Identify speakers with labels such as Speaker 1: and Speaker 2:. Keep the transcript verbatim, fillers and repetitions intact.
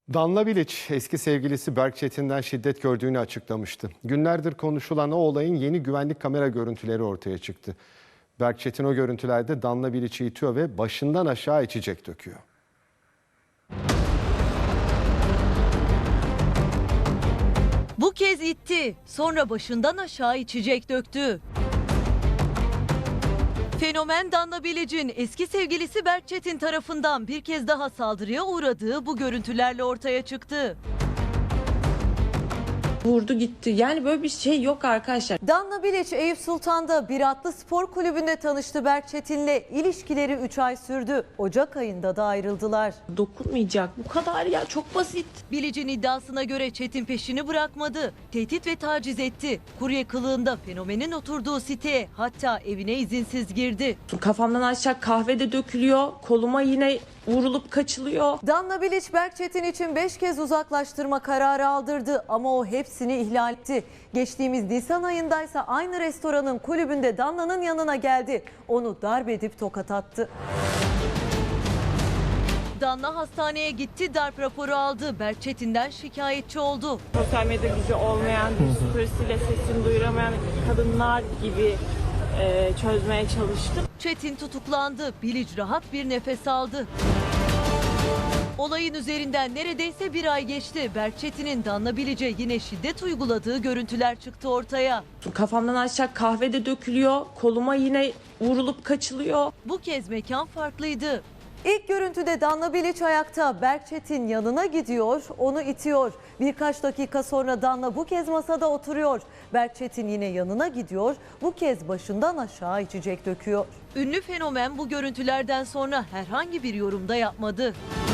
Speaker 1: Danla Bilic eski sevgilisi Berk Çetin'den şiddet gördüğünü açıklamıştı. Günlerdir konuşulan o olayın yeni güvenlik kamera görüntüleri ortaya çıktı. Berk Çetin o görüntülerde Danla Bilic'i itiyor ve başından aşağı içecek döküyor.
Speaker 2: Bu kez itti, sonra başından aşağı içecek döktü. Fenomen Danla Bilic'in eski sevgilisi Berk Çetin tarafından bir kez daha saldırıya uğradığı bu görüntülerle ortaya çıktı.
Speaker 3: Vurdu gitti. Yani böyle bir şey yok arkadaşlar.
Speaker 2: Danla Bilic Eyüp Sultan'da bir atlı spor kulübünde tanıştı Berk Çetin'le. İlişkileri üç ay sürdü. Ocak ayında da ayrıldılar.
Speaker 3: Dokunmayacak. Bu kadar ya, çok basit.
Speaker 2: Bilic'in iddiasına göre Çetin peşini bırakmadı. Tehdit ve taciz etti. Kurye kılığında fenomenin oturduğu siteye, hatta evine izinsiz girdi.
Speaker 3: Kafamdan aşağı kahve de dökülüyor. Koluma yine vurulup kaçılıyor.
Speaker 2: Danla Bilic Berk Çetin için beş kez uzaklaştırma kararı aldırdı ama o hepsini ihlal etti. Geçtiğimiz Nisan ayındaysa aynı restoranın kulübünde Danla'nın yanına geldi. Onu darp edip tokat attı. Danla hastaneye gitti, darp raporu aldı. Berk Çetin'den şikayetçi oldu.
Speaker 4: Sosyal medya gücü olmayan, psikolojisiyle sesini duyuramayan kadınlar gibi e, çözmeye çalıştım.
Speaker 2: Çetin tutuklandı. Bilic rahat bir nefes aldı. Olayın üzerinden neredeyse bir ay geçti. Berk Çetin'in Danla Bilic'e yine şiddet uyguladığı görüntüler çıktı ortaya.
Speaker 3: Kafamdan aşağı kahve de dökülüyor. Koluma yine vurulup kaçılıyor.
Speaker 2: Bu kez mekan farklıydı. İlk görüntüde Danla Bilic ayakta, Berk Çetin yanına gidiyor, onu itiyor. Birkaç dakika sonra Danla bu kez masada oturuyor. Berk Çetin yine yanına gidiyor, bu kez başından aşağı içecek döküyor. Ünlü fenomen bu görüntülerden sonra herhangi bir yorumda yapmadı.